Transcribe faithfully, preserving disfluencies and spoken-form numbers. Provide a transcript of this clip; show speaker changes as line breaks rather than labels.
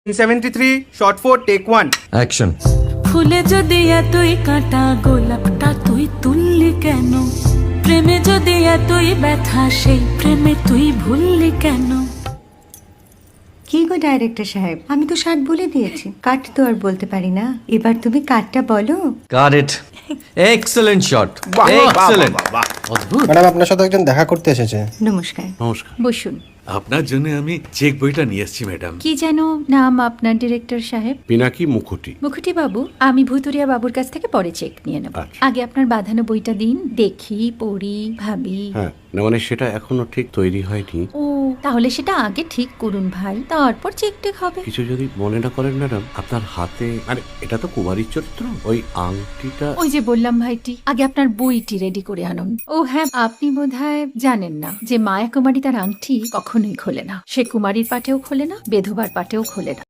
Seventy three shot four take one
action.
ফুলে যদি এতই কাঁটা গোলাপটা তুই তুললি কেন? প্রেমে যদি এতই ব্যথা সেই প্রেমে তুই ভুললি কেন?
কি গো ডাইরেক্টর সাহেব, আমি তো ষাট বলে দিয়েছি, কাট তো আর বলতে পারি না। এবার তুমি কাটটা বলো।
Got it. Excellent shot, excellent. অদ্ভুত।
ম্যাডাম আপনার সাথে একজন দেখা করতে এসেছে।
নমস্কার।
নমস্কার।
বসুন।
আপনার জন্য আমি চেক বইটা নিয়ে এসেছি ম্যাডাম।
কি যেন নাম আপনার ডিরেক্টর সাহেব?
পিনাকি মুখোটি।
মুখুটি বাবু, আমি ভুতুরিয়া বাবুর কাছ থেকে পরে চেক নিয়ে নেব।
আচ্ছা।
আগে আপনার বাঁধানো বইটা দিন, দেখি, পড়ি, ভাবি।
হ্যাঁ, না মানে সেটা এখনো ঠিক তৈরি হয়নি।
ও, তাহলে সেটা আগে ঠিক করুন ভাই, তারপর চেক টেক হবে।
কিছু যদি মনে না করেন ম্যাডাম, আপনার হাতে, আরে এটা তো কুমারীর চরিত্র, ওই আংটিটা।
ওই যে বললাম ভাইটি, আগে আপনার বইটি রেডি করে আনুন। ও হ্যাঁ, আপনি বোধহয় জানেন না যে মায়া কুমারী তার আংটি কখনোই খোলে না। সে কুমারীর পাটেও খোলে না, বেধবার পাটেও খোলে না।